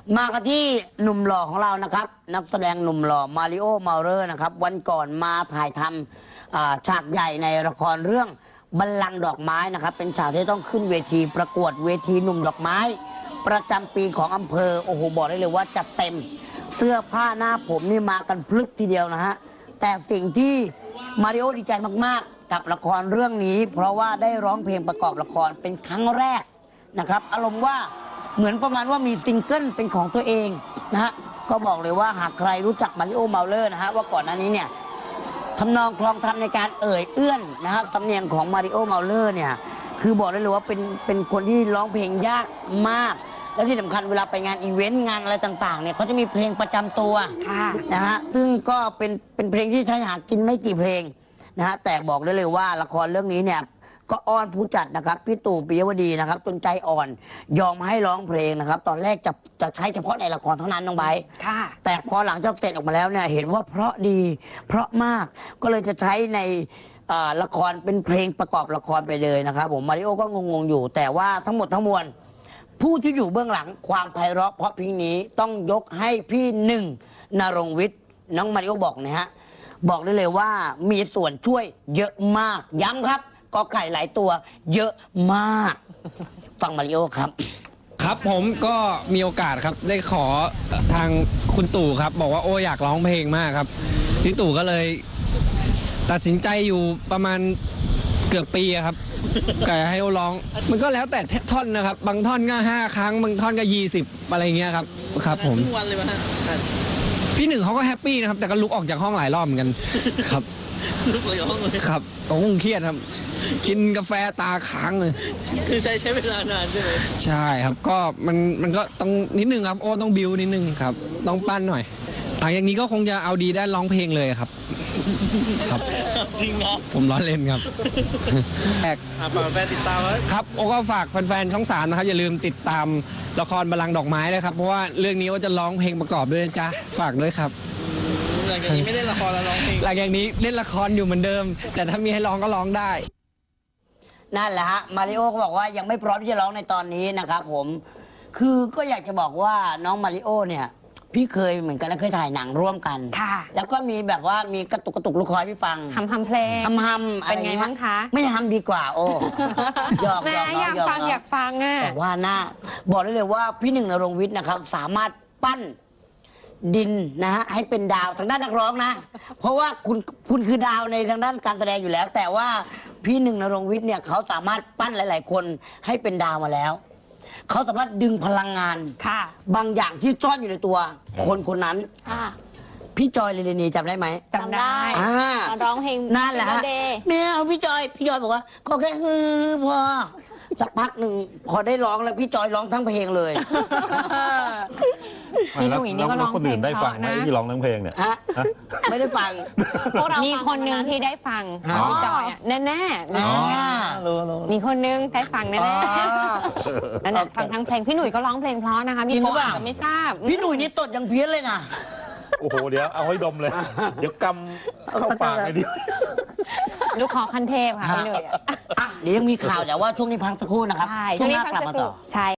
มากันที่หนุ่มหล่อของเรานะครับนักแสดงหนุ่มหล่อมาริโอเมาเลอร์นะครับวันก่อนมาถ่ายทำฉากใหญ่ในละครเรื่องบัลลังก์ดอกไม้นะครับเป็นฉากที่ต้องขึ้นเวทีประกวดเวทีหนุ่มดอกไม้ประจำปีของอำเภอโอ้โหบอกได้เลยว่าจัดเต็มเสื้อผ้าหน้าผมนี่มากันพลึกทีเดียวนะฮะแต่สิ่งที่มาริโอดีใจมากๆกับละครเรื่องนี้เพราะว่าได้ร้องเพลงประกอบละครเป็นครั้งแรกนะครับอารมณ์ว่าเหมือนประมาณว่ามีซิงเกิลเป็นของตัวเองนะฮะก็บอกเลยว่าหากใครรู้จักมาริโอเมาเลอร์นะฮะว่าก่อนหน้านี้เนี่ยทำนองคลองธรรมในการเอื้อนนะครับสำเนียงของมาริโอเมาเลอร์เนี่ยคือบอกได้เลยว่าเป็นคนที่ร้องเพลงยากมากและที่สำคัญเวลาไปงานอีเวนต์งานอะไรต่างๆเนี่ยเขาจะมีเพลงประจำตัวนะฮะซึ่งก็เป็นเพลงที่ใช้หากินไม่กี่เพลงนะฮะแต่บอกได้เลยว่าละครเรื่องนี้เนี่ยก็อ้อนผู้จัดนะครับพี่ตู่ปิยวดีนะครับจนใจอ่อนยอมให้ร้องเพลงนะครับตอนแรกจะใช้เฉพาะในละครเท่านั้นน้องไบร์ทแต่พอหลังจากเสร็จออกมาแล้วเนี่ยเห็นว่าเพราะดีเพราะมากก็เลยจะใช้ในละครเป็นเพลงประกอบละครไปเลยนะครับผมมาริโอก็งงๆอยู่แต่ว่าทั้งหมดทั้งมวลผู้ที่อยู่เบื้องหลังความไพเราะเพราะเพลงนี้ต้องยกให้พี่หนึ่งณรงค์วิทย์น้องมาริโอบอกนะฮะบอกได้เลยว่ามีส่วนช่วยเยอะมากย้ำครับก็ไก่หลายตัวเยอะมากฟังมาริโอครับครับผมก็มีโอกาสครับได้ขอทางคุณตู่ครับบอกว่าโอ้อยากร้องเพลงมากครับพี่ตู่ก็เลยตัดสินใจอยู่ประมาณเกือบปีครับก็ให้โอร้องมันก็แล้วแต่ท่อนนะครับบางท่อนก็5 ครั้งบางท่อนก็20อะไรเงี้ยครับครับผมทุกวันเลยมั้ยพี่หนึ่งเขาก็แฮปปี้นะครับแต่ก็ลุกออกจากห้องหลายรอบเหมือนกันครับลุกออกจากห้องเลยครับผมคงเครียดครับกินกาแฟตาค้างเลยคือใช้เวลานานใช่ไหมใช่ครับก็มันก็ต้องนิดนึงครับโอ้ต้องบิวนิดนึงครับต้องปั้นหน่อยหลังจากนี้ก็คงจะเอาดีได้ร้องเพลงเลยครับครับจริงเหรอผมร้องเล่นครับฝากแฟนติดตามไว้ครับโอ้ก็ฝากแฟนๆช่อง3นะครับอย่าลืมติดตามละครบัลลังก์ดอกไม้ด้วยครับเพราะว่าเรื่องนี้ว่าจะร้องเพลงประกอบด้วยนะจ๊ะฝากด้วยครับหลังจากนี้ไม่เล่นละครแล้วร้องเพลงหลังจากนี้เล่นละครอยู่เหมือนเดิมแต่ถ้ามีให้ร้องก็ร้องได้นั่นแหละฮะมาริโอก็บอกว่ายังไม่พร้อมที่จะร้องในตอนนี้นะครับผมคือก็อยากจะบอกว่าน้องมาริโอเนี่ยพี่เคยเหมือนกันและเคยถ่ายหนังร่วมกันค่ะแล้วก็มีแบบว่ามีกระตุกลูกคอยพี่ฟังทำเพลงทำเป็นไงบ้างคะไม่ทำดีกว่าโอ้อยากฟังอ่ะแต่ว่าหน้าบอกได้เลยว่าพี่หนึ่งณรงค์วิทย์นะครับสามารถปั้นดินนะฮะให้เป็นดาวทางด้านนักร้องนะเพราะว่าคุณคือดาวในทางด้านการแสดงอยู่แล้วแต่ว่าพี่หนึ่งณรงค์วิทย์เนี่ยเขาสามารถปั้นหลายๆคนให้เป็นดาวมาแล้วเขาสามารถดึงพลังงานบางอย่างที่ซ่อนอยู่ในตัวคนนั้นพี่จอยเรนีจำได้ไหมจำได้ตอนร้องเพลงนั่นแหละฮะแม่เอาพี่จอยบอกว่าก็แค่พอสักพักหนึ่งพอได้ร้องแล้วพี่จอยร้องทั้งเพลงเลยพี่หนุ่ยนี่ก็ร้องเพลงได้ฟังไหมที่ร้องทั้งเพลงเนี่ยไม่ได้ฟังมีคนนึงที่ได้ฟังพี่จอยแน่ๆมีคนนึงได้ฟังแน่ๆนั่นฟังทั้งเพลงพี่หนุ่ยก็ร้องเพลงเพราะนะคะมีคนอาจจะไม่ทราบพี่หนุ่ยนี่ตดยังเพี้ยนเลยนะโอ้โหเดี๋ยวเอาให้ดมเลยเดี๋ยวกำเข้าปากเลยดิลูกคอคันเทพค่ะพี่หนุ่ยเดี๋ยวยังมีข่าวแต่ว่าช่วงนี้พักสักครู่นะครับช่วงนี้พักสักครู่ใช่